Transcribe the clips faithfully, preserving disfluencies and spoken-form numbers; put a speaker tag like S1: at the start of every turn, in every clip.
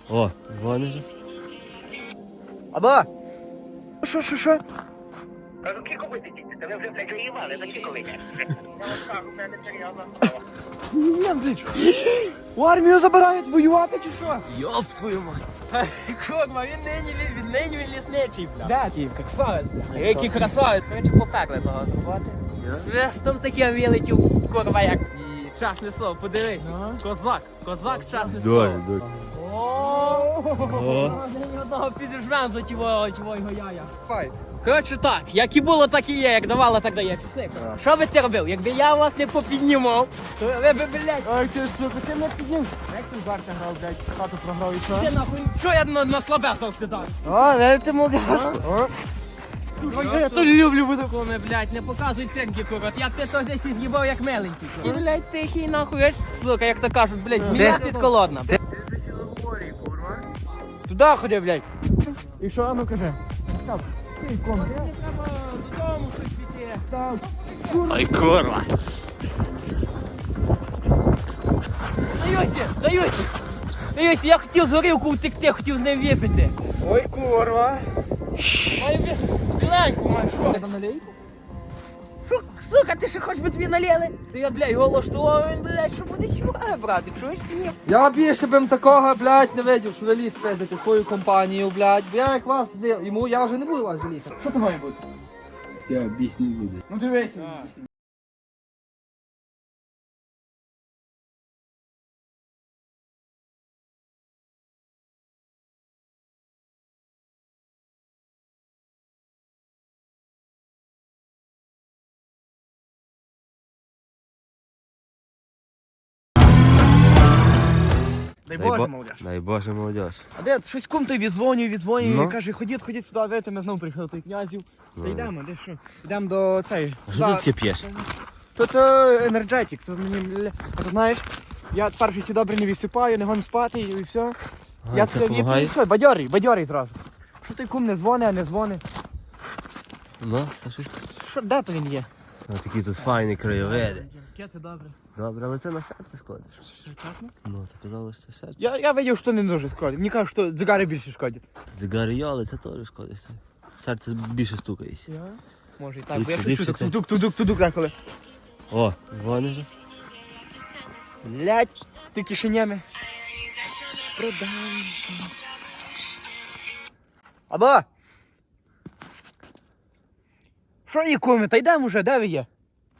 S1: О, дзвониш.
S2: Або? Що, що, що?
S3: Кажу, кілько ви сидіти? Та ви вже, блядь, воювали, за кілько ви йдете? Я вас кажу, в мене серйозна справа.
S2: Ні, блядь. У армію забирають воювати чи що?
S1: Йоп твою мать.
S4: Курва, він нині, він нині він лісничий, бля.
S2: Де?
S4: Такий красавець. Який красавець. Короче, поперли того зробити. Свистом таким вилетів, курва, як і часне слово, подивись. Козак, козак, часне слово.
S1: Дуже, дуже.
S4: О, ні одного підіжмем за тіво, тіво його яя. Коротше так, як і було, так і є, як давала, так дає. Пішли. Що би ти робив? Якби я вас не попіднімав, то ви б, блядь,
S2: Ой, ти що, ти не підняв? Як ти в карти грав, блядь, хату програв і що?
S4: ти нахуй, що я на, на слабе завжди даю?
S2: О, не ти молодяш. Я теж люблю бути.
S4: Коми, блядь, не показуй ценки, курва. Я ти то десь з'їбав як меленький. Ти, блядь, тихий нахуй, аж, сука, як то кажуть, блядь, змія підколодна.
S2: Сюди ходи, блядь. І що, а ну кажи. Так, ти ком,
S4: Мені треба додому щось піти.
S2: так.
S1: Ай, курва.
S4: Даюся, даюся. Даюся, я хотів з горілку втекти, хотів з ним випити.
S2: Ой, курва.
S4: Маю ви... Кленьку маю, що?
S2: Ти там налейку?
S4: Що, сука, ти ще хочеш би тобі налили? Ти я, блядь, голоштував, він, блядь, що буде сюди, брати, чуєш чи ні?
S2: Я більше б такого, блядь, не видів, що ви ліс пиздите свою компанію, блядь. Бо я як вас, не- йому, я вже не буду вас жаліти. Що то має бути?
S1: Я біг не буду.
S2: Ну дивися. Дай Боже,
S1: бо-
S2: молодяж.
S1: Дай Боже, молодіж.
S2: А де щось кум той відзвонює, відзвонює,
S1: Ну?
S2: і каже, ходіть, ходіть сюди, видите, ми знову приїхали той князів. Та
S1: Ну.
S2: йдемо, де що? Йдемо до цей.
S1: А що ти таке п'єш?
S2: Тут енерджетик, це мені, ля- а ти знаєш, я перший ці добре не відсипаю, не гон спати і все.
S1: А,
S2: Я
S1: це
S2: це віпаю, і
S1: помагає?
S2: все, бадьорий, бадьорий зразу. Що той кум не дзвонить, а не дзвонить?
S1: Ну, та щось.
S2: Що, де то він є?
S1: Ось такі тут файні краєвиди.
S2: Яке це добре.
S1: Добре, але це на серце шкодиш.
S2: Що, чесно?
S1: Ну, ти казав, що це серце.
S2: Я, я видів, що не дуже шкодить. Мені кажуть, що дзигари більше шкодять.
S1: Зигари є, але це теж шкодить. Серце більше стукається.
S2: Я? Може і так,
S1: Ліпше-
S2: бо я щось
S1: ліпше
S2: чую,
S1: це.
S2: так тудук, тудук, тудук деколи.
S1: О, дзвониш.
S2: Блять, ти кишенями. Продам. Або! Що є, куми? Та йдемо вже, де ви є?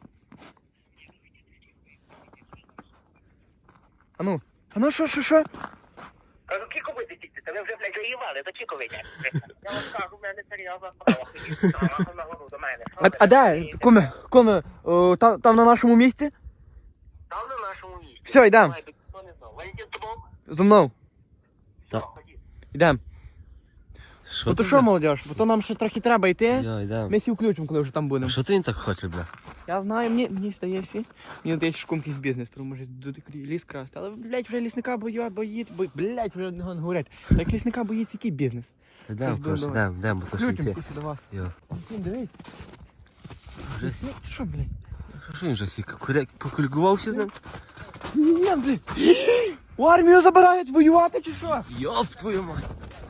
S2: Ану, ану, що, що, що?
S3: Кажу, кілько ви сидіти? Та ви вже, блядь, воювали, за кілько ви йдете? Я вас кажу, в мене серйозна справа. Ходіть на гору до мене.
S2: А, а де? Куми, куми, о, там, там на нашому місці?
S3: Там на нашому місці.
S2: Все, йдемо.
S3: Давай, хто не знав. Валентин з тобою?
S2: Зо мною.
S1: Так.
S3: Ходіть.
S2: Йдемо.
S1: Що
S2: Бо то
S1: ти,
S2: що,
S1: бля?
S2: молодіж, бо то нам ще трохи треба йти.
S1: Я йдем.
S2: Ми всі включимо, коли вже там
S1: А
S2: будемо.
S1: що ти він так хоче, бля?
S2: Я знаю, мені, мені здається, мені здається, що кумкийсь бізнес, тому може тут ліс красти. Але, блядь, вже лісника бою, боїться, бо, блядь, вже не говорять. Як лісника боїться, який бізнес?
S1: Йдем,
S2: Тож,
S1: коротше,
S2: давай.
S1: йдем, йдем, бо то що
S2: Включимо
S1: йти.
S2: всі до вас.
S1: Йо.
S2: Кум, дивись.
S1: Вже сі?
S2: Що, блядь?
S1: Що ж він вже сі? Куря- Покулькувався з ним?
S2: Ні, блядь. У армію забирають воювати чи що?
S1: Йоп твою мать.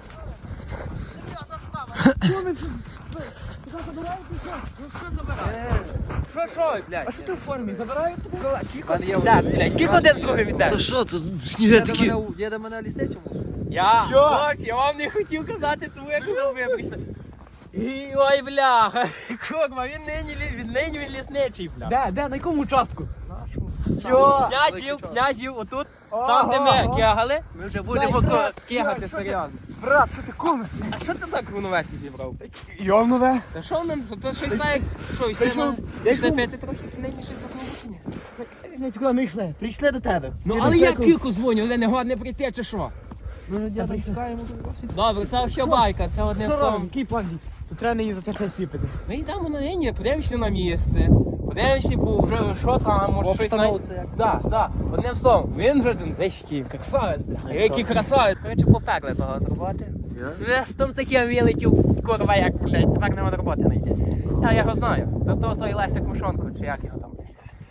S4: Що, що, блядь?
S2: А що ти в формі? Забирають тебе?
S4: Так, блядь, кілько один з другим іде?
S1: Та що, то сніги такі.
S5: Є до мене лісничому.
S4: Я,
S2: Йо!
S4: хлопці, я вам не хотів казати, тому я казав, ви прийшли. І, ой, бляха, курва, він нині, лі- він нині він лісничий, бля.
S2: Де, де, на якому участку? Йо!
S4: Князів, князів, отут,
S2: Ага,
S4: там, де ми
S2: ага.
S4: кегали, ми вже будемо
S2: Дай,
S4: ко-
S2: брат,
S4: кегати
S2: Йо, що ти?
S4: серйозно.
S2: Брат, що ти куми?
S4: А що ти так в універсі зібрав?
S2: Йовнове.
S4: Та що нам, то щось знає, що,
S2: Та
S4: йшли
S2: що?
S4: на,
S2: Я
S4: йшли
S2: йшов-
S4: п'яти трохи, чи нині щось такого чи ні?
S2: Не куди ми йшли? Прийшли до тебе.
S4: Ну,
S2: Ні,
S4: але
S2: до
S4: я
S2: всякого-
S4: кільку дзвоню, ви не годне прийти, чи що?
S2: Може, дядя, чекаємо.
S4: Добре, це все байка, це одним
S2: Що робимо?
S4: словом.
S2: Який план? дій? Тут треба її за це щось ціпити.
S4: Ми йдемо на нині, подивимося на місце. Подивимося, бо вже що там, може щось знає.
S5: Обстановці як.
S4: Так, так, одним словом, він вже один весь такий красавець, бля, який красавець. Коротше, поперли того зробити. Свистом таким вилетів, курва, як, блядь, тепер нема роботи не йде. Я його знаю, то то той Лесик Мушонко, чи як його там.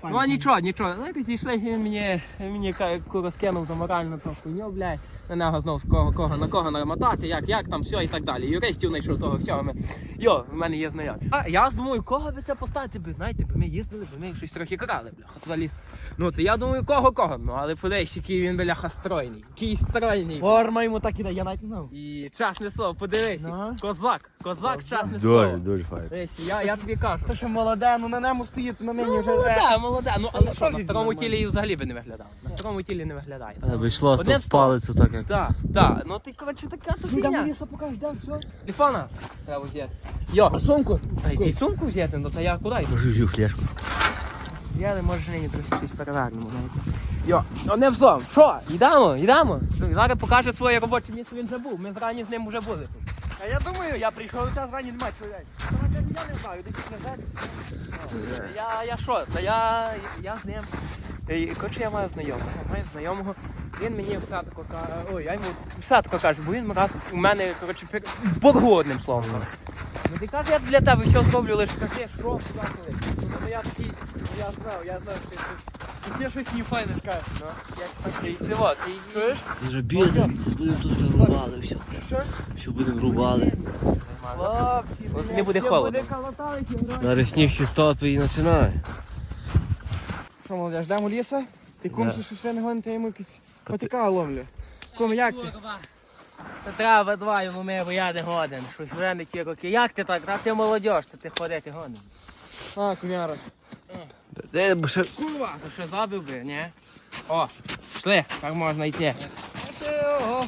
S4: Ну а нічого, нічого. Ну якось зійшли, і він мені, мені ка- куру скинув за моральну ту хуйню, блядь. На нього знов з кого, кого, на кого намотати, як, як там, все і так далі. Юристів знайшов того всього. Ми... Йо, в мене є знайомі. А я думаю, кого би це поставити би, знаєте, бо ми їздили, бо ми щось трохи крали, бляха, туди ліс. Ну, то я думаю, кого-кого. Ну, але подивись, який він, бляха, стройний. Який стройний.
S2: Форма йому так іде, я навіть не знав.
S4: І чесне слово, подивись.
S2: Ну.
S4: Козак, козак, чесне слово.
S1: Дуже, дуже файно.
S4: Дивись, я, я тобі кажу.
S2: То що молоде, ну на ньому стоїть, на мені
S4: Ну,
S2: вже.
S4: молоде, молоде. Ну, але
S2: Ну,
S4: що, на
S2: теж
S4: старому
S2: нормально.
S4: тілі взагалі би не виглядав. На старому тілі не виглядає.
S1: Але би йшло
S4: Одним
S1: в
S4: словом.
S1: палицю так як.
S4: Так, так. Ну ти, коротше, така то фігня.
S2: покажеш, да, все.
S4: Телефона треба взяти. Йо,
S2: А сумку?
S4: а й сумку взяти, ну то я куди йду?
S1: Може взяв флешку.
S4: Я не можу нині трохи щось перевернемо, знаєте. Йо, ну не взом. Що, йдемо, йдемо. Зараз покаже своє робоче місце, він вже був. Ми зрані з ним вже були тут.
S2: А я думаю, я прийшов, час рані немає чоловік. Я не знаю, десь не знаю.
S4: Я, я що, та я, я з ним. Е, Коротше, я маю знайомого, маю знайомого. Він мені все тако каже, ой, я йому все тако кажу, бо він раз у мене, коротше, пер- боргу одним словом. Ну ти каже, я для тебе все зроблю, лише скажи, що, куди коли.
S2: Ну я такий, я знав, я знав, що ти є щось не файне скажеш, ну.
S4: І це от, і...
S2: Чуєш?
S1: Це вже бізнес, будемо тут вже рубали, все.
S2: Що?
S1: Все будемо рубали.
S2: Хлопці,
S4: От
S2: блядь,
S4: не буде
S2: все
S4: холодно.
S2: буде колотати, грати.
S1: Зараз сніг ще стопить і починає.
S2: Що, молодя, ждемо ліса? Ти кум,
S1: Да.
S2: що ще не гоните йому якісь потика ловлю. Кум, як ти?
S4: Та треба два йому ми, бо я не годен. Щось вже не ті роки. Як ти так? Та ти молодіж, то ти ходити годен.
S2: А, кумяра.
S1: Де бо ще
S4: Курва, то що забив би, ні? О, пішли, так можна йти.
S2: А ти, ого.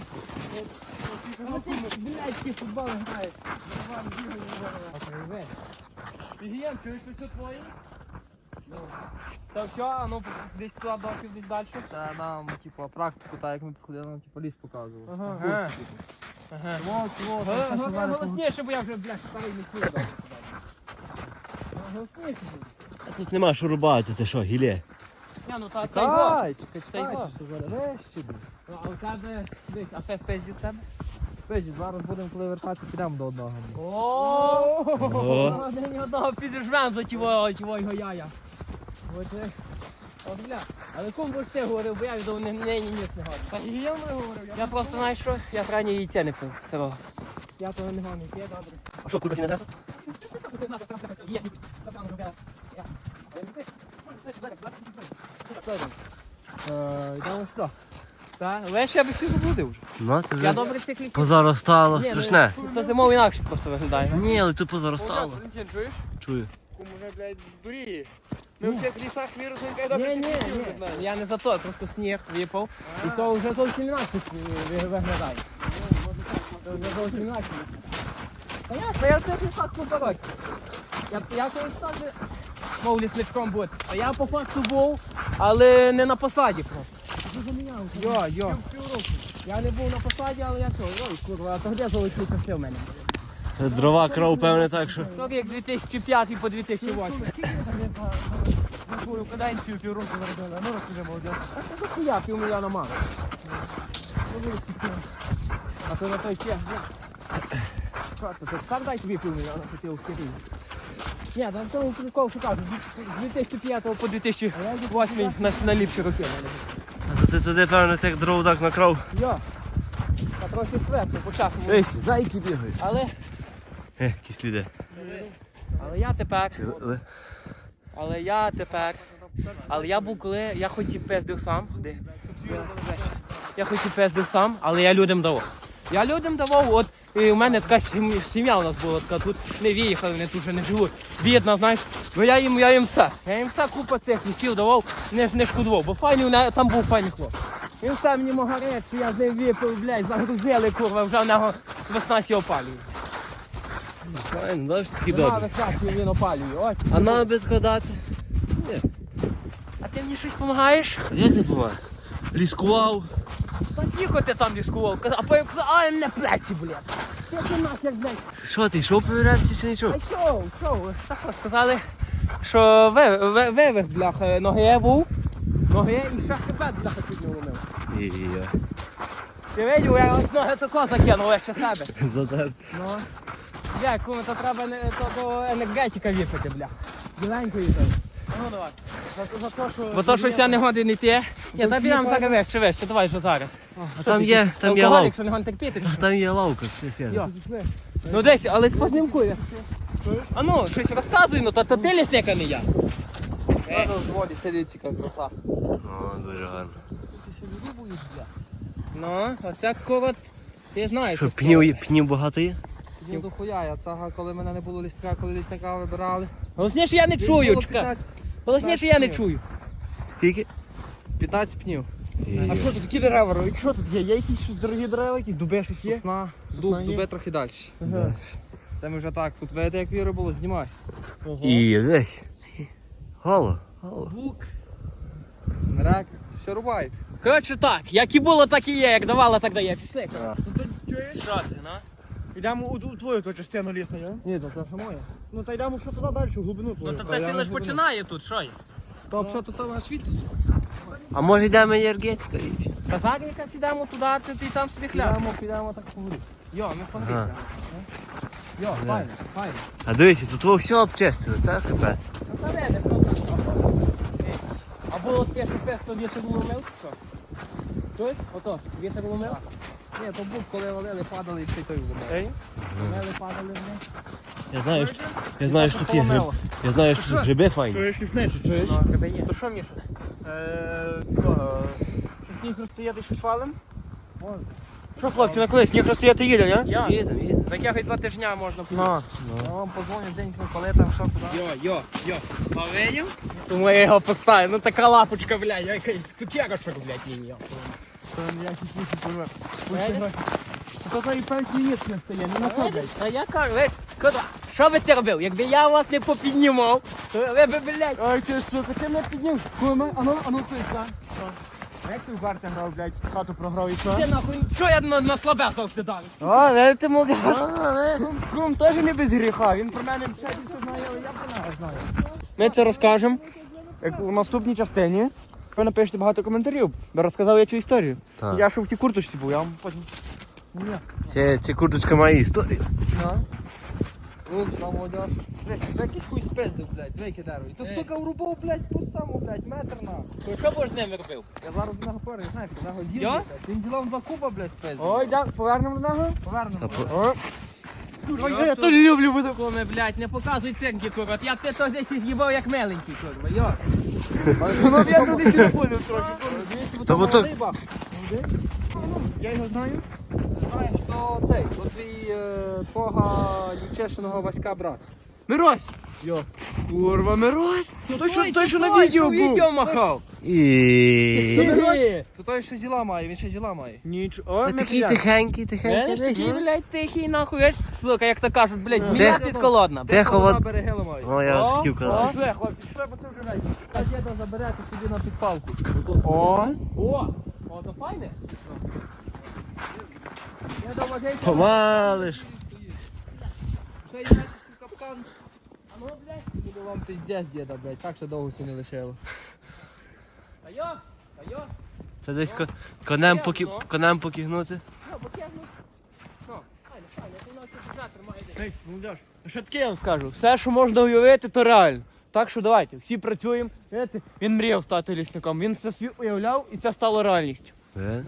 S4: Блядь, ті футболи грають.
S2: Фігієн, чуєш, це твоє?
S4: Та все, а ну десь туди доків, десь далі.
S5: Це нам, типу, практику, так як ми приходили, нам типу ліс показував.
S2: Ага.
S4: Ага. Ага.
S2: Вот, вот,
S4: Га-
S2: це що
S4: га-
S2: зараз.
S4: Голосніше, бо я вже, блядь, старий не чую. Голосніше.
S1: А тут нема що рубати, це що, гілє?
S4: Ні, ну та це його.
S2: Чекай, чекай,
S4: Це його.
S2: чекай, що зараз вещі.
S4: Ну, а у тебе, дивись, а фест пизді з тебе?
S5: Пизді, зараз будемо, коли вертатися, підемо до одного.
S1: Ого.
S4: День одного піджмем за тіво, тіво його яя. От, е, от, бля. Але кому б ти говорив, бо я від не, не, ні, ні, не гадаю.
S2: Та гігієн не говорив.
S4: Я просто, знаєш що, я зрані яйця не пив сирого. Я того не гоню, є добре.
S1: А що, курка не дасть?
S2: Йдемо сюди.
S4: Так, але ще би всі заблудив вже.
S1: Ну, це
S4: Я
S1: вже
S4: добре цих ліків.
S1: позаростало,
S4: Ні, ну,
S1: страшне.
S4: То зимою інакше просто виглядає.
S1: Ні, але тут позаростало.
S2: Валентин, чуєш?
S1: Чую.
S2: Кум уже, блядь, дуріє. Ми в цих лісах вірусом кайда
S4: Ні, ні,
S2: прикріпів
S4: ні,
S2: не знаємо.
S4: я не за то, просто сніг випав. І то вже зовсім інакше ви- виглядає. То вже зовсім інакше. Та ясно, я в цих лісах купа років. Я, я колись теж мов лісничком бути. А я по факту був, але не на посаді просто. Йо, йо. Я не був на посаді, але я що, ой, курва, а то де золоті часи в мене?
S1: Дрова кров, певне, так що.
S4: То як дві тисячі п'ятий по дві тисячі восьмий.
S2: На твою каденцію півроку заробили. Ну розкажи, молодець.
S4: А це хуя, півмільйона мало. А то на той чех, що це, то сам дай тобі півмільйона хотів в Києві. Ні, там тому прикол, що кажу, з дві тисячі п'ятого по дві тисячі восьмий на, на ліпші роки.
S1: А то ти туди, певне, цих дров так накрав.
S4: Йо, та трохи сверху, по часу.
S1: Ось, зайці бігають.
S4: Але,
S1: Е, якісь люди.
S4: але я тепер,
S1: Але-
S4: але я тепер, але я був коли, я хоч і пиздив сам, де? Я хоч і пиздив сам, але я людям давав. Я людям давав, от і у мене така сім- сім'я у нас була така, тут не виїхали, вони тут вже не живуть. Бідна, знаєш, бо я їм, я їм все. Я їм все купа цих лісів давав, не, не шкодував, бо файний, у мене- там був файний хлоп. Він все мені магарець, що я з ним випив, блядь, загрузили, курва, вже в нього весна сі опалює.
S1: Файно, знаєш, такі
S4: Вона
S1: добре.
S4: весна сі він опалює, ось.
S1: А нам би складати? Ні.
S4: А ти мені щось допомагаєш?
S1: Як ти помагає? Ліскував.
S4: Та тихо ти там ліскував, а потім казав, ай, мене плечі, блядь. Що ти нахер, блядь?
S1: Що ти, йшов перевірятися чи не йшов?
S4: А що, що, так от сказали, що ви- ви- вивих, бляха, ноги був, ноги і ще хребет, бляха, чуть не ломив.
S1: І-я.
S4: Ти видів, я от ноги тако закинув, ще себе.
S1: Задер.
S4: Ну, дякую, то треба не, то, то енергетика випити, бляха. Біленької там.
S2: Ну давай. За те, що...
S4: Бо то щось я не годин йти. Ні, та підемо зараз вище, вище, давай що зараз.
S1: А там є, там є
S4: Алкоголік,
S1: лавка.
S4: що не гон терпіти.
S1: Там є лавка, все сяде.
S4: Ну десь, але спознімкує. А ну, щось розказуй, ну, то, то ти лісник, а не я.
S5: Треба в воді сидить, яка краса.
S1: О, дуже гарно.
S4: Ну, оця корот, ти знаєш.
S1: Що, пнів, є- пнів багато є?
S5: Ні, до хуя, я цага, коли мене не було лістка, коли лісника вибирали.
S4: Голосніше я не
S5: Він
S4: чую,
S5: було
S4: чекай.
S5: п'ятнадцять
S4: Голосніше я не чую.
S1: Скільки?
S5: п'ятнадцять пнів.
S2: А що тут, які дерева? Рой? Що тут є? Є якісь щось дорогі дерева, якісь дуби щось є?
S5: Сосна,
S2: Сосна
S5: дуб,
S2: є?
S5: дуби трохи далі.
S2: Ага.
S5: Це ми вже так, тут видите, як віри було, знімай.
S1: І десь. Гало, гало.
S5: Бук, смирек, все рубають.
S4: Коротше так, як і було, так і є, як давала, так дає. Пішли.
S2: Ну то чуєш?
S4: Що ти, ну?
S2: Йдемо у, у твою ту частину лісу, я?
S5: Ні, то це вже моє.
S2: Ну та йдемо що туди далі, в глибину
S4: Ну
S2: твою.
S4: то це сіле ж починає тут, що є?
S5: То взагалі то саме світиться.
S1: А може йдемо енергетика?
S4: Та зараз якраз ідемо туди, ти, ти там собі хляб.
S5: Підемо, підемо так поговорити.
S4: Йо, ми
S1: Ага.
S4: погріться.
S2: Йо, файно, файно.
S1: А дивіться, тут во все обчистили, це капець.
S4: Ну та веде, ну так. А було таке, що песто вітер ломив, що? Той? Ото, вітер ломив?
S5: Ні, то бук, коли валили, падали і все той вдома.
S2: Ей?
S4: Лели падали в них.
S1: Я знаю, що, я знаю, що тут є гриб. Я знаю, що тут гриби файні.
S2: Чуєш лісничі, чуєш?
S4: Ну, тебе є.
S2: То що, Міша? Е, цього, що сніг розстояти щось валим? Що, хлопці, на коли сніг розстояти їде, не?
S4: Я.
S1: Їдемо, їдемо.
S4: За якихось два тижня можна
S2: На.
S5: Я вам позвоню день, коли там що куди.
S4: Йо, йо, йо. Повинів? Тому я його поставив. Ну така лапочка, блядь, який цукерочок, блядь, мені.
S2: Там я чуть більше поживе.
S4: Видиш?
S2: То то і пенсії ніц не стає, не находить.
S4: А я кажу, весь, куди? Що би ти робив? Якби я вас не попіднімав, то ви б, блядь.
S2: Ой, ти що, таке не підняв? Куме, а ну, а ну, ти що? А як ти в карти грав, блядь, хату програв і що?
S4: Ти нахуй, що я на, на слабе завжди дав?
S2: О, не ти молодіж. Кум, кум теж не без гріха, він про мене все знає, але я про нього знаю. Ми це розкажемо, як у наступній частині. Ви напишете багато коментарів, бо розказав я цю історію.
S1: Так.
S2: Я що в цій курточці був, я вам потім... Ні.
S1: Це, це курточка має історію.
S5: Тут на молодіж. Десь, якийсь хуй спиздив, блядь, двійки дерево. І то
S4: Ей.
S5: стука врубав, блядь, по саму, блядь, метр на.
S4: Що б ж з ними робив?
S5: Я зараз до нього поряд, знаєте, на нього дів,
S4: Я?
S5: блядь. Він ділав два куба, блядь, спиздив.
S2: Ой, да, повернемо до нього.
S5: Повернемо.
S1: Та по-
S2: О. Ой,
S4: Я
S2: я
S4: тут-
S2: теж люблю бути.
S4: Куме, блядь, не показуй цинки, курва. Я ти то десь і з'їбав як миленький, курва. Йо.
S2: Ну, я туди ще поняв трохи.
S5: Дивіться, бо
S1: Та
S5: там
S1: бо то-
S5: молодий бах.
S2: Я його знаю.
S5: Знаєш, то цей, то твій е, твого дівчешиного Васька брат.
S2: Мирось! Йо. Курва, Мирось! Той, що, той, що на
S4: той,
S2: відео
S4: що
S2: був.
S4: відео махав.
S1: І...
S2: Ні.
S5: То той, що зіла має, він ще зіла має.
S2: Нічого.
S1: Ви такий тихенький, тихенький.
S4: Знаєш, такий,
S1: десь.
S4: блядь, тихий, нахуй, еш, сука, як то кажуть, блядь, змія
S1: Де-
S4: підколодна.
S1: Тихо,
S5: Вона
S1: от...
S5: берегела має.
S1: О, я
S4: О,
S1: хотів казати.
S2: Пішли, хлопці, пішли, бо це вже вечір.
S5: Та діда заберете собі на підпалку.
S2: О,
S4: О, о, то файне.
S5: Я до вагейка.
S1: Помалиш.
S5: Ще й знаєте, капкан. А ну, блядь, буде вам пиздець, діда, блядь, так що довго все не лишило.
S4: Та йо, та йо.
S1: Це десь ко- конем, поки... конем покігнути.
S4: Йо, бо тягну. Ну, файне, файне, ти у нас тут жатр має десь.
S2: Ей, молодіж, а що таке я вам скажу? Все, що можна уявити, то реально. Так що давайте, всі працюємо. Знаєте, він мріяв стати лісником, він це свій уявляв і це стало реальністю.
S1: Е?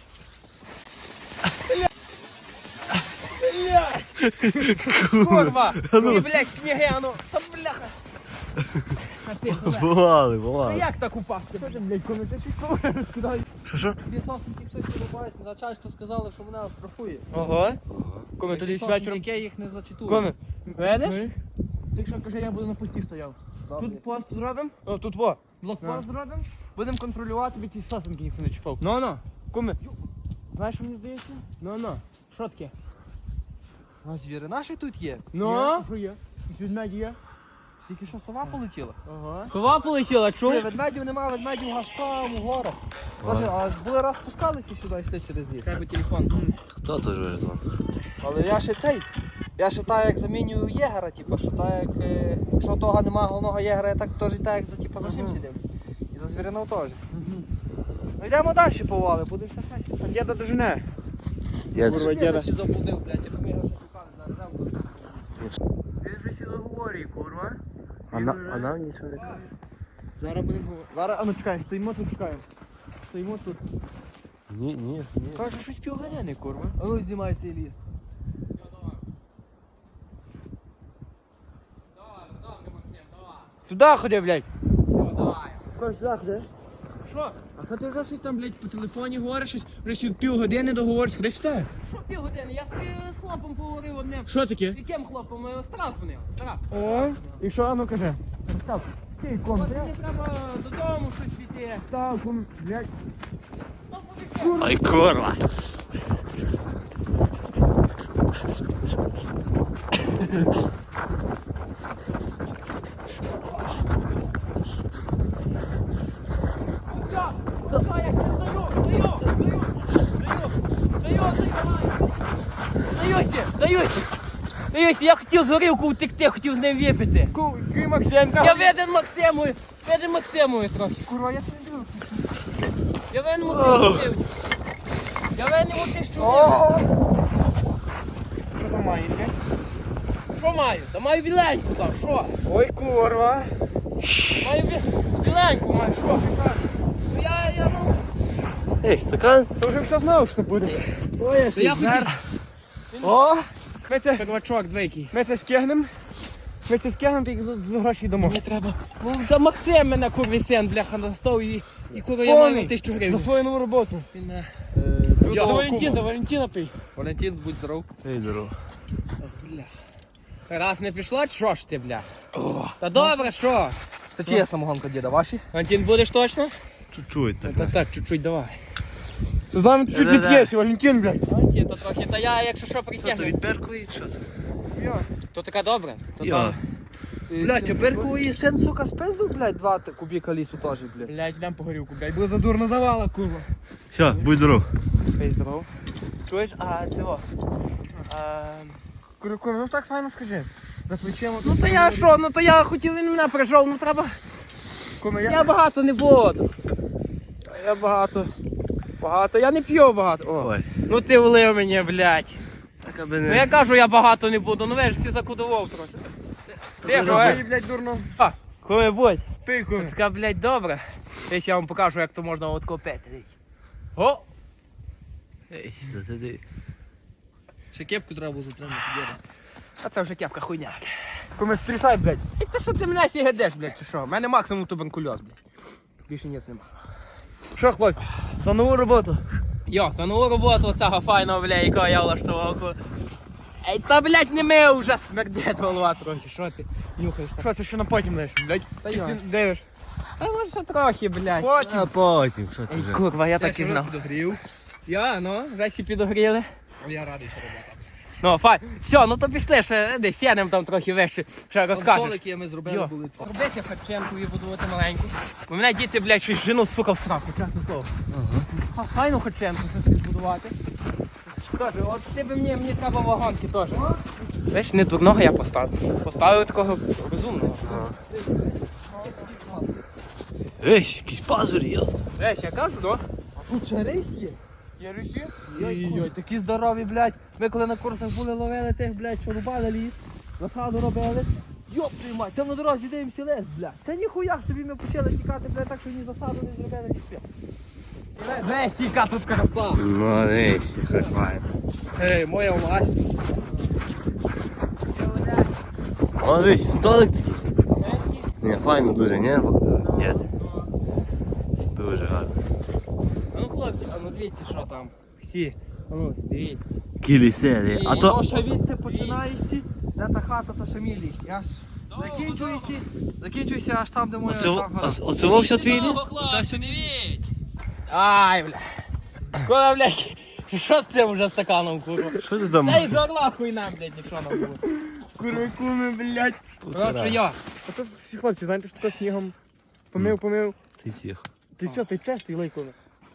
S4: Курва, ти, блядь, сніги, а ну, та бляха. А ти, блядь,
S1: Бували,
S4: ну
S1: бували.
S4: як так упасти?
S2: Що ж, блядь, коли ти щось говориш, розкидай.
S1: Що, що?
S5: Дві сосенки хтось вирубає, начальство сказали, що мене оштрафує.
S2: Ого. Коми
S5: Ці
S2: тоді
S5: сосенки,
S2: вечором.
S5: яке їх не зачитую.
S2: Коми.
S4: Видиш?
S2: Ти що, каже, я буду на пості стояв.
S5: Добре.
S2: Тут пост зробимо. О, тут во. Блокпост зробимо. Будемо контролювати, від ці сосенки ніхто не чіпав.
S4: Ну, ну,
S2: Коми. Знаєш, що мені здається?
S4: ну, ну. Що таке?
S5: А звіри наші тут є.
S4: Ну?
S2: Є, що є? І ведмеді є?
S5: Тільки що сова полетіла.
S2: Ага.
S4: Сова полетіла, чув?
S5: Ні, ведмедів нема, ведмедів аж там, у горах. Боже, а були раз спускалися сюди, йшли через ліс.
S4: Треба телефон.
S1: Хто тут вирізав?
S5: Але я ще цей. Я ще так як замінюю єгера, типу, що так як, е, якщо того нема головного єгера, я так теж так як за, типу, за всім
S2: Ага.
S5: сидів. І за звіринов теж. Ну йдемо далі повали, буде ще щось.
S2: А діда дожене.
S1: Я...
S2: Курва,
S5: Діда
S2: діда.
S5: ще забудив, блядь, я його ще шукали, зараз дам.
S2: Він вже сіло говорить, курва.
S1: А, на... а нам нічого не каже.
S2: Зараз будемо. Зараз, а ну чекай, стоїмо тут, чекаємо. Стоїмо тут.
S1: Ні, ні, ні.
S2: Каже, щось півганяне, курва.
S5: А ну знімай цей ліс.
S2: Сюди ходи, блядь.
S4: Давай.
S2: Каже, сюди ходи.
S4: Що?
S2: А що ти вже щось там, блядь, по телефоні говориш, щось, вже сюди півгодини договориш, ходи сюди.
S4: Що півгодини? Я з, з хлопом поговорив одним.
S2: Що таке?
S4: Яким хлопом? Е, Стара дзвонив. Стара.
S2: О, і що, а ну кажи. Став. Стій, ком,
S4: От мені треба додому щось піти.
S2: став, ком, блядь.
S4: Ну, побіжи.
S1: Ой, курва.
S4: Все, все, я все здаю, здаю, здаю, здаю, здаю, здаю, здаюся, здаюся. Здаюся, я хотів з горілку втекти, хотів з ним випити.
S2: Ку, ки, Максимка.
S4: Я виден Максимою, виден Максимою трохи.
S2: Курва, я не дивився.
S4: Я винен у тисячу гривень. Я винен у тисячу гривень.
S2: О! Що там маєте?
S4: Що маю? Та маю біленьку там, що?
S2: Ой, курва.
S4: Маю бі- біленьку, маю, що? Ну, Я, я, ну...
S1: Ей, стакан?
S2: Ти вже все знав, що буде.
S5: Ой,
S4: Та я хотів...
S2: О, ми це,
S4: Первачок двійкий.
S2: ми це скигнем. Ми це скигнем, тільки з з гроші дамо.
S4: Мені треба. Ну, та Максим мене курвий син, бляха, настав і, і курва я
S2: Повний.
S4: маю тисячу
S2: За
S4: гривень.
S2: свою нову роботу.
S4: Він, е,
S2: До
S4: Його
S2: Валентина,
S4: кума.
S2: до Валентина пий.
S4: Валентин, будь здоров.
S1: Ей, здорово.
S4: Бля. Раз не пішло, що ж ти, бля? Та добре, що?
S5: Це чия самогонка, діда, ваші?
S4: Валентин, будеш точно?
S1: Чуть-чуть так.
S4: Так, так, чуть-чуть давай.
S2: Ти з нами чуть не
S1: Да-да.
S2: п'єш, Валентин, блядь.
S4: Валентин, то трохи, та я, якщо що,
S1: Що це
S4: притягну.
S1: відперкує, що це?
S4: То така добре. То
S1: Я.
S4: там-
S5: Блядь, а Берку і син, сука, спиздив, блядь, два т- кубіка лісу теж, блядь.
S2: Блядь, йдем по горілку, блядь, бо задурно давала, курва.
S1: Все, будь здоров.
S4: Ей, здоров. Чуєш, а цього? А,
S2: Курва, курва, ну так файно скажи. За плечем.
S4: ну то я що, ну то я хотів, він мене прижав, ну треба.
S2: Куме,
S4: Я
S2: я...
S4: багато не буду. Я багато. Багато. Я не п'ю багато. О.
S1: Ой.
S4: Ну ти влив мені, блядь.
S1: Так аби
S4: Ну
S1: не...
S4: я кажу, я багато не буду, ну ви ж всі закудував трохи. Ти
S2: Ти,
S4: е?
S2: блядь, дурно.
S4: Фа, коли будь.
S2: Пий, куме.
S4: Така, блядь, добре. Десь я вам покажу, як то можна от копити. О!
S1: Ей, засиди.
S5: Ще кепку треба було затримати, діда.
S4: А це вже кепка хуйня.
S2: Куме, стрісай, блядь.
S4: І ти що ти мене сігедеш, блядь, чи що? У мене максимум туберкульоз, блядь. Більше ніц нема.
S2: Що, хлопці, за нову роботу.
S4: Йо, за нову роботу оцього файного, бля, якого я влаштував. Ей, та, блядь, не ми вже смердять голова трохи, що ти нюхаєш так?
S2: Що, це ще на потім лиш, блядь?
S4: Та
S2: Ти
S4: йо.
S2: сі- дивиш?
S4: Та може ще трохи, блядь.
S2: Потім.
S1: А потім, що ти
S4: Ей,
S1: вже?
S4: курва, я так і знав.
S5: підогрів.
S4: Я, ну, вже всі підогріли.
S5: Я радий, що робота.
S4: Ну, фай. Все, ну то пішли, ще десь сядемо там трохи вище, ще розкажеш.
S5: Столики ми зробили,
S4: Йо,
S5: були.
S4: робити харченку і будувати маленьку. У мене діти, блядь, щось жену, сука, в сраку, чесне слово. Ага. Файну харченку щось збудувати. Тож, от ти би мені, мені треба вагонки теж. Знаєш, не дурного я поставив. Поставив такого розумного.
S1: Ей, якісь пазурі є.
S4: Знаєш, я кажу, ну.
S5: Тут ще рейс є?
S2: Я русі?
S5: Йой-йой, такі здорові, блядь. Ми коли на курсах були, ловили тих, блядь, що рубали ліс, розсаду робили. Йоп, приймай, там на дорозі дивимося лес, блядь. Це ніхуя собі ми почали тікати, блядь, так що ні засаду не зробили, ні все.
S4: Знаєш, яка тут краса.
S1: Ну, ей, ще файно.
S5: Ей, моя власть.
S1: О, дивись, столик такий. Ні, файно дуже, ні? Ні. Дуже гарно.
S4: А ну, хлопці, а ну дивіться, що там. Всі. А ну, дивіться.
S1: Кілісері. А то...
S5: Воно ще відти починаєшся, де та хата, то ще мій ліс. Аж закінчуєшся, закінчуєшся аж там, де моя
S1: Оце,
S5: там гора.
S1: оце, оце вовся твій ліс?
S4: Це все не віть. Ай, бля. Куда, блядь, що з цим вже стаканом, курва?
S1: Що ти там?
S4: Та й з орла хуйна, блядь, якщо нам буде.
S2: Курва, куме, блядь.
S4: Коротше, я.
S2: А то всі хлопці, знаєте, що таке снігом помив, помив.
S1: Ти всіх.
S2: Ти все, ти чистий, лейкуме.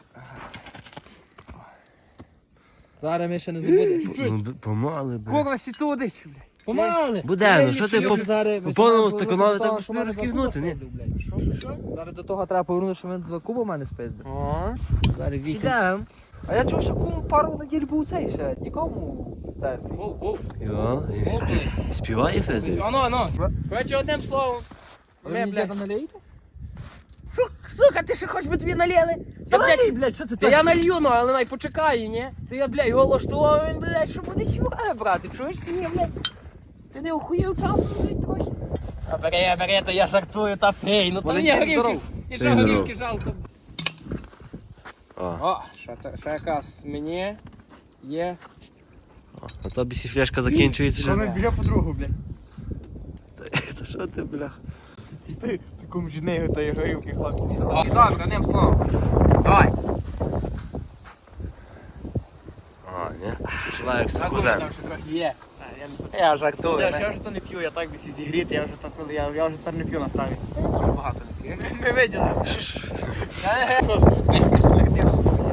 S5: Зараз ми ще не забудемо.
S1: Ну, б- помали, бля.
S4: Курва, сі туди, блядь. Помали.
S1: Буде, ну що ти
S5: Ми
S1: по...
S5: ще зараз- ми
S1: по
S5: ще
S1: повному
S5: маємо
S1: стаканові
S5: повернути до того,
S1: так
S5: що
S1: би
S5: мене
S1: розкігнути,
S5: два
S1: ні?
S5: куба спиздив, блядь. Що, що, що? Зараз до того треба повернути, що мене два куба в мене спиздив.
S2: О,
S5: Зараз вікend.
S4: Ідем.
S5: А я чув, що кум пару неділь був цей ще, нікому в церкві.
S4: Воу, воу.
S1: Йо, і спів- співає Федір?
S4: Ано, ано. Коротше, одним словом.
S5: Ви
S4: Ми,
S5: мені
S4: блядь.
S5: діда налієте?
S4: Що, сука, ти ще хочеш би тобі налили?
S2: Та
S4: Я, блядь,
S2: налий, блядь, що це
S4: Та я налью, ну, але най почекай, ні? Ти я, блядь, голоштував, він, блядь, що будеш його брати, чуєш мені, блядь? Ти не охуєв часом, блядь, трохи? А бери, бери, то я жартую, та пей, ну то мені
S5: Валентин,
S4: горівки, і що
S1: Ти здоров.
S4: горівки жалко.
S1: О,
S4: О, що це, ще якась мені є.
S1: а то бісі фляшка закінчується.
S2: Вона
S1: Що?
S2: біжа по другу, блядь.
S1: Та що ти, бля?
S2: Ти, такому ж нею та й горілки, хлопці.
S4: О, добре, одним словом. Давай.
S1: А, ні? Пішла як
S4: Рахуй,
S1: сукузен.
S4: там ще трохи є. А, я не- Я жартую.
S2: Я,
S4: не?
S2: я вже то не п'ю, я так би сі зігріти, я вже так, коли я, я вже тепер не п'ю на ставі.
S4: Я дуже багато не п'ю.
S2: Ми виділи.
S4: Спискар смердів.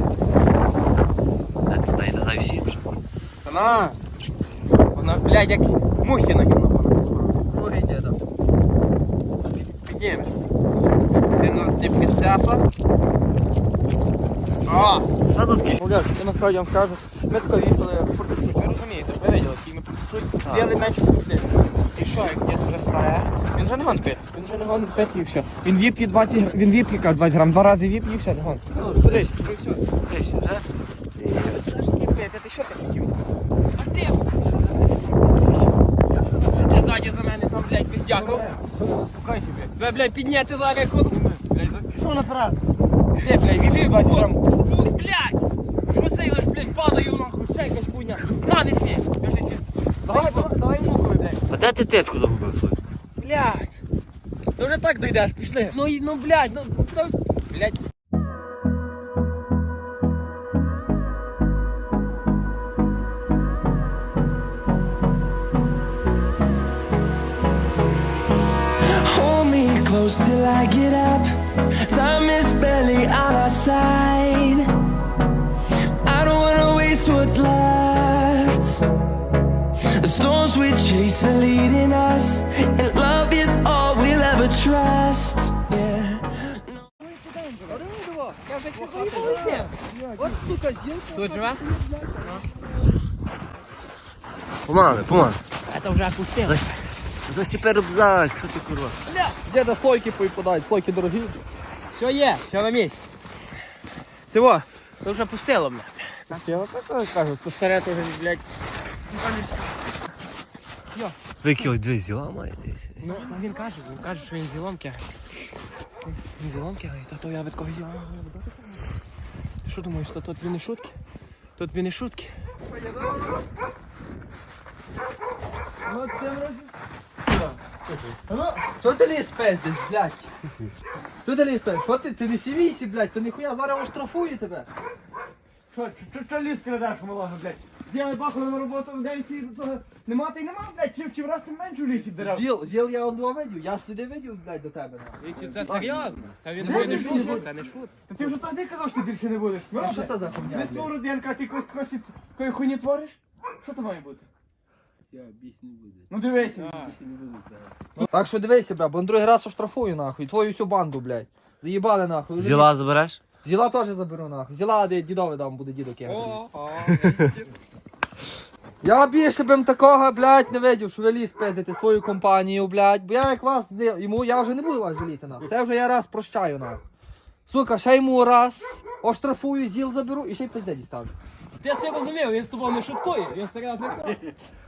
S1: Дай, дай, дай всім вже.
S4: Та на. Вона, блядь, як мухи на гімно.
S5: Ну йде там.
S4: Піднімеш. Ти нас не підцяса. О!
S1: Та тут кісь.
S2: Оля, я насправді вам скажу, ми тако їхали по чуть-чуть, ви розумієте, ви виділи, які ми по чуть-чуть, з'їли менше пішли. І що, як дід вже старає? Він вже не гон пити, він вже не гон пити і все. Він вип'є двадцять грам, він вип'є каже, двадцять грам, два рази вип'є і все, не гон. Ну, подивись, і все. Ти знаєш, який пити, ти що ти хотів?
S4: А ти? Ти ззаді за мене там, блядь, пиздяков.
S2: Пукай собі.
S4: Ви, блядь, підняти зараз як от.
S2: Що наперед? Де, блядь,
S4: Ти,
S2: вип'є двадцять грам.
S4: о, блядь! Що це лиш, блядь, падаю нахуй, ще якась хуйня. На, неси, кажи сі.
S2: Давай, давай, давай мукою, блядь.
S1: А де ти тетку загубив?
S4: Блядь.
S2: Ти вже так дойдеш, пішли.
S4: Ну, і- ну, блядь, ну, то, блядь.
S6: Hold me close till I get up. Time is barely on our side. I don't wanna waste what's left. The storms we chase are leading us, and love is all we'll ever trust. Yeah.
S4: Я вже всі свої полетів.
S5: От, сука, з'їв.
S4: Тут живе?
S1: Помали, помали.
S4: Це вже опустило.
S1: Зась- Застіпи рюкзак, що ти курва?
S5: Діда слойки поїпадають, слойки дорогі.
S4: Все є, все на місці. Цього, це вже пустило мене.
S2: Я так кажу, то старе теж, блядь.
S1: Звики ось дві зіла має десь.
S4: Ну, він каже, він каже, що він зіломки. Він зіломки, але то, то я від кого я. Ти що думаєш, то тут він не шутки? Тут він не шутки.
S2: Ну, це вроді.
S5: Що ти ліс пиздиш, блядь? Що ти ліс пиздиш? Що ти? Ти не сівійся, блядь, то ніхуя зараз оштрафую тебе.
S2: Що, що, що ліс передаш, малого, блядь? З'їли бахали на роботу в день сі, то нема та й нема, блядь, чи, чи враз ти менше в лісі дерев?
S5: Зіл, зіл я он два видів, я сліди видів, блядь, до тебе. нахуй.
S4: Це серйозно? Та він
S2: Не,
S4: не
S2: не
S4: шутить,
S2: шутить.
S4: це не шут.
S2: Та ти вже тоді казав, що ти більше не будеш.
S5: Ну, що це за хуйня?
S2: Ми з твого родинка, ти когось когось такої хуйні твориш? Що то має бути?
S5: Я більш не буду.
S2: Ну дивися.
S5: Так що дивися, бля, бо на другий раз оштрафую, нахуй, твою всю банду, блядь. Заїбали, нахуй. Вже
S1: Зіла забереш?
S5: Зіла теж заберу, нахуй. Зіла де дідові дам, буде дідок я.
S4: О, о,
S5: Я більше б такого, блядь, не видів, що ви ліс пиздите свою компанію, блядь. Бо я як вас, не, йому, я вже не буду вас жаліти, нахуй. Це вже я раз прощаю, нахуй. Сука, ще йому раз оштрафую, зіл заберу і ще й пизде дістану.
S4: Ти все розумів, він з тобою не шуткує, він серйозно не каже.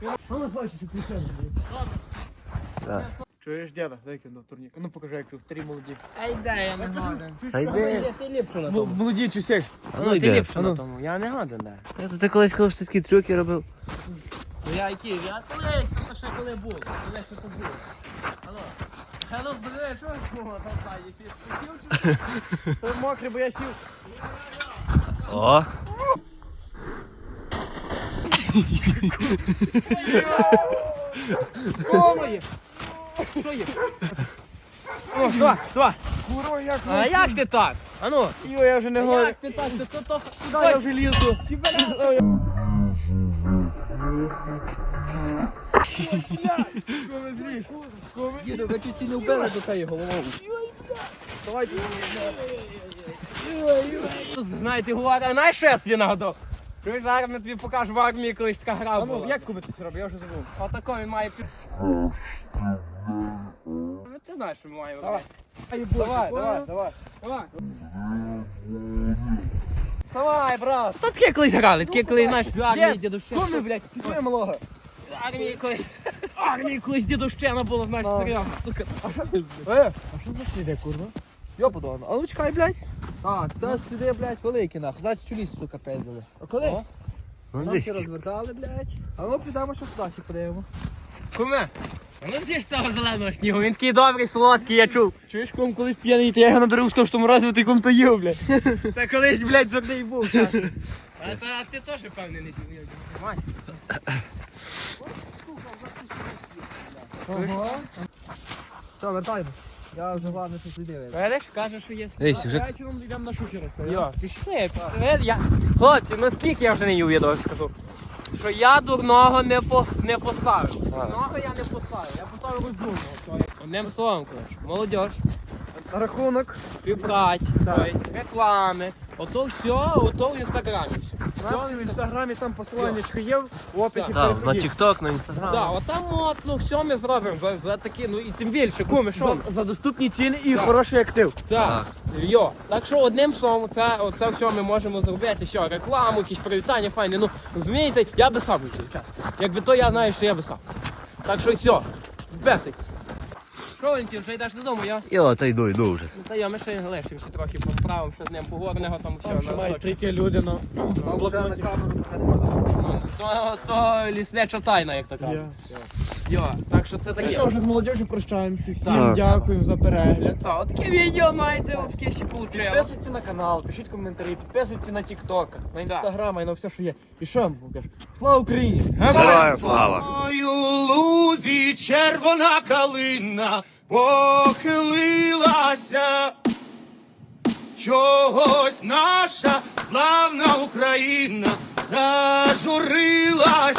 S2: Чуєш, діда, дай кину турнік. Ну покажи, як ти старі молоді.
S4: Ай, дай, я не годен.
S1: Та йди.
S4: Ти ліпшу на
S2: М-
S4: тому.
S2: Молоді чи сек?
S1: А ну
S4: Ну, ти
S1: йди.
S4: ліпшу на тому, я не годен, да.
S1: Я тут ти колись казав, що ти такі трюки робив.
S4: Ну я які, я колись, то ще коли був, колись то був. Алло, алло, бля, що було там ззаді, ще спустив чи?
S2: Ти мокрий, бо я сів.
S1: О!
S2: Кома є.
S4: Що є? О, що, що?
S2: Куро, як
S4: А як ти так? А ну,
S2: Йо, я вже не говорю.
S4: як ти так? То, то, то,
S2: Дай я вже лізу. Коми зріж. Коми.
S5: Діду, ви чуть ці не вбили до цієї головою. Давайте.
S4: знаєте, говорить, а знаєш, що я собі нагадав? Чуєш, зараз ми тобі покажу в армії колись така гра
S2: А ну,
S4: була.
S2: як кубитися робить, я вже забув.
S4: Отако він має пі... ти знаєш, що ми маємо
S2: Давай.
S4: робити.
S2: Давай, давай, давай.
S4: Давай.
S2: Давай, брат.
S4: Та таке колись грали, таке колись, знаєш, в армії
S2: Дід,
S4: дідовщина.
S2: куми, блядь, підтримай малого.
S4: В армії колись, в армії колись дідовщина була, знаєш,
S2: А.
S4: серйозно, сука.
S2: Е, а що за сліди, курва?
S5: Йопудон, а ну чекай, блядь. Так, це сліди, блядь, великі нахуй. Значить, у ліс, сука, пиздили.
S2: А коли?
S5: О.
S1: Ну,
S5: Там
S1: дивись,
S5: всі розвертали, блядь. А ну підемо, що сюди всі подивимо.
S4: Куме, а ну з'їж цього зеленого снігу, він такий добрий, солодкий, я чув.
S2: Чуєш, кум, колись п'яний, то я його наберу, скажу, що морозиво ти кум то їв, блядь.
S4: Та колись, блядь, дурний був. так. А, та, а ти теж, певний, не дів. Мать.
S2: Ага.
S5: Все, вертаємо. Я вже головне, що сліди видно.
S4: Видиш, каже, що є.
S1: дивись, вже
S2: Вечором йдемо на шухера.
S4: Йо, пішли, пішли. Я... Хлопці, ну скільки я вже не їв, я довго скажу. Що я дурного не, по... не поставив. Дурного я не поставив, я поставив розумного. Одним словом, коротше, молодь,
S2: На рахунок.
S4: співпраць, тобто реклами, ото все, ото в інстаграмі.
S2: У нас в інстаграмі там посиланнячко є, в описі
S1: так, на
S2: переходіть.
S1: тік-ток, на інстаграм.
S4: Так, отам от, ну все ми зробимо за, за такі, ну і тим більше, куми, що?
S2: За, за доступні ціни і
S4: Так.
S2: хороший актив.
S4: Так, йо. Так що одним словом, це, це все ми можемо зробити, що рекламу, якісь привітання, файні. Ну, розумієте, я би сам був чесно. Якби то я знаю, що я би сам. Так що все, бесикс. Що, Валентин, вже йдеш додому, я?
S1: Йо, та йду, йду вже.
S4: Ну та я, ми ще лишимося трохи по справам, що з ним погорного там все.
S2: Там ще
S4: на
S2: мають
S4: листочок.
S2: прийти люди на
S5: Там вже на
S2: блокноті.
S5: камеру вже не можна.
S4: Ну, То, то ліснеча тайна, як то кажуть.
S2: Є.
S4: Йо, так що це
S2: Так
S4: таке.
S2: що, вже з молодежю прощаємося. Всім
S1: Так.
S2: дякуємо за перегляд.
S4: Так, от таке відео маєте, от таке ще получило.
S2: Підписуйтесь на канал, пишіть коментарі, підписуйтесь на TikTok, на інстаграм і на все, що є. І що вам покажу? Слава Україні!
S1: Героям слава!
S7: Ой, у лузі червона калина похилилася, чогось наша славна Україна зажурилася.